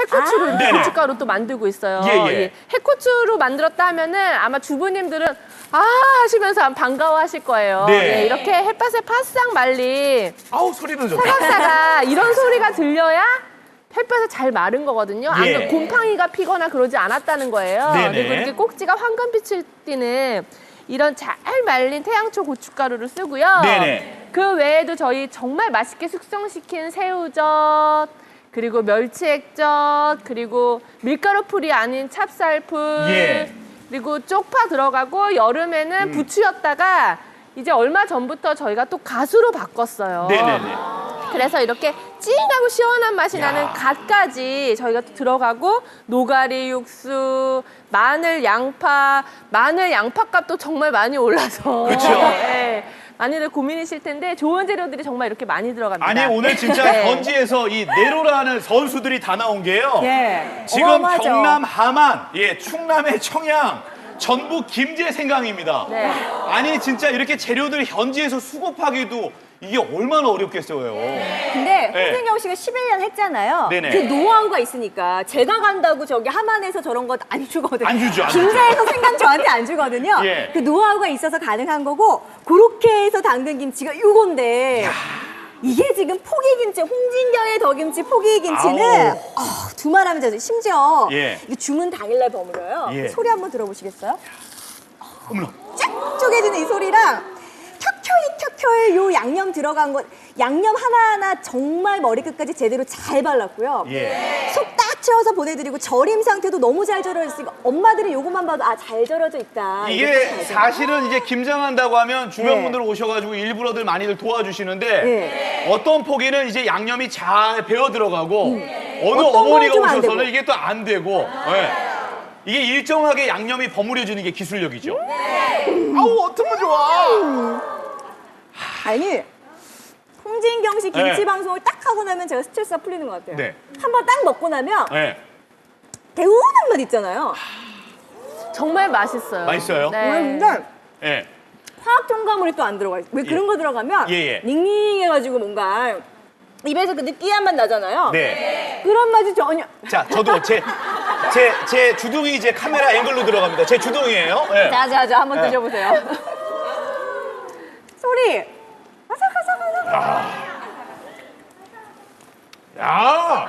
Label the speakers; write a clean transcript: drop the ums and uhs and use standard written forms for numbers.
Speaker 1: 해코츠로 이렇게
Speaker 2: 네네.
Speaker 1: 고춧가루 또 만들고 있어요.
Speaker 2: 예, 예.
Speaker 1: 해코츠로 만들었다 하면은 아마 주부님들은 아 하시면서 반가워하실 거예요.
Speaker 2: 네.
Speaker 1: 예, 이렇게 햇볕에 바싹 말린
Speaker 2: 아우 소리는 좋다.
Speaker 1: 사각사각 이런 소리가 들려야 햇볕에 잘 마른 거거든요. 안
Speaker 2: 예.
Speaker 1: 그러면 곰팡이가 피거나 그러지 않았다는 거예요.
Speaker 2: 네네.
Speaker 1: 그리고 이렇게 꼭지가 황금빛을 띠는 이런 잘 말린 태양초 고춧가루를 쓰고요.
Speaker 2: 네네.
Speaker 1: 그 외에도 저희 정말 맛있게 숙성시킨 새우젓, 그리고 멸치액젓, 그리고 밀가루 풀이 아닌 찹쌀풀,
Speaker 2: 예.
Speaker 1: 그리고 쪽파 들어가고 여름에는 부추였다가 이제 얼마 전부터 저희가 또 갓으로 바꿨어요.
Speaker 2: 네네네.
Speaker 1: 그래서 이렇게 찡하고 시원한 맛이 나는 갓까지 저희가 또 들어가고 노가리 육수, 마늘 양파 값도 정말 많이 올라서
Speaker 2: 그쵸.
Speaker 1: 네, 많이들 고민이실 텐데 좋은 재료들이 정말 이렇게 많이 들어갑니다.
Speaker 2: 아니 오늘 진짜
Speaker 1: 네.
Speaker 2: 현지에서 이 내로라는 선수들이 다 나온 게요.
Speaker 3: 예.
Speaker 2: 지금
Speaker 3: 어마어마하죠.
Speaker 2: 경남 함안, 충남의 청양, 전북 김제 생강입니다.
Speaker 1: 네.
Speaker 2: 아니 진짜 이렇게 재료들 현지에서 수급하기도 이게 얼마나 어렵겠어요.
Speaker 3: 근데
Speaker 2: 네.
Speaker 3: 홍진경 씨가 11년 했잖아요.
Speaker 2: 네네.
Speaker 3: 그 노하우가 있으니까 제가 간다고 저기 함안에서 저런 거 안 주거든요.
Speaker 2: 안 주죠, 안 주죠.
Speaker 3: 김제에서 생강 저한테 안 주거든요.
Speaker 2: 예.
Speaker 3: 그 노하우가 있어서 가능한 거고 그렇게 해서 담근 김치가 이건데 이게 지금 포기김치, 홍진경의 더김치 포기김치는 두말하면 되죠. 심지어
Speaker 2: 예.
Speaker 3: 이거 주문 당일날 버무려요.
Speaker 2: 예.
Speaker 3: 소리 한번 들어보시겠어요?
Speaker 2: 어머나.
Speaker 3: 쫙 쪼개지는 이 소리랑 켜켜이 요 양념 들어간 것 양념 하나하나 정말 머리끝까지 제대로 잘 발랐고요.
Speaker 2: 예.
Speaker 3: 속 딱 채워서 보내드리고 절임 상태도 너무 잘 절여졌으니까 엄마들이 요것만 봐도 아 잘 절여져 있다.
Speaker 2: 이게
Speaker 3: 이렇게 잘 절여.
Speaker 2: 사실은 이제 김장한다고 하면 주변
Speaker 3: 네.
Speaker 2: 분들 오셔가지고 일부러들 많이들 도와주시는데
Speaker 3: 네.
Speaker 2: 어떤 포기는 이제 양념이 잘 배어 들어가고 어느
Speaker 3: 어떤
Speaker 2: 어머니가
Speaker 3: 건 좀 안
Speaker 2: 오셔서는
Speaker 3: 되고.
Speaker 2: 이게 또 안 되고 예. 이게 일정하게 양념이 버무려지는 게 기술력이죠. 아우 어쩌면 좋아.
Speaker 3: 아니 홍진경 씨 김치
Speaker 2: 네.
Speaker 3: 방송을 딱 하고 나면 제가 스트레스가 풀리는 것 같아요.
Speaker 2: 네.
Speaker 3: 한번 딱 먹고 나면
Speaker 2: 예.
Speaker 3: 개운한 맛 있잖아요.
Speaker 1: 정말 맛있어요.
Speaker 2: 맛있어요?
Speaker 1: 네.
Speaker 3: 근데
Speaker 2: 예.
Speaker 3: 화학 첨가물이 또 안 들어가 있어요. 왜 그런 거 들어가면
Speaker 2: 예.
Speaker 3: 닝닝해가지고 뭔가 입에서 그 느끼한 맛 나잖아요.
Speaker 2: 네.
Speaker 3: 그런 맛이 전혀.
Speaker 2: 자, 저도 제 주둥이 이제 카메라 앵글로 들어갑니다. 제 주둥이에요. 예.
Speaker 3: 자, 한번
Speaker 2: 네.
Speaker 3: 드셔보세요. 소리. 아삭아삭아삭.
Speaker 2: 야.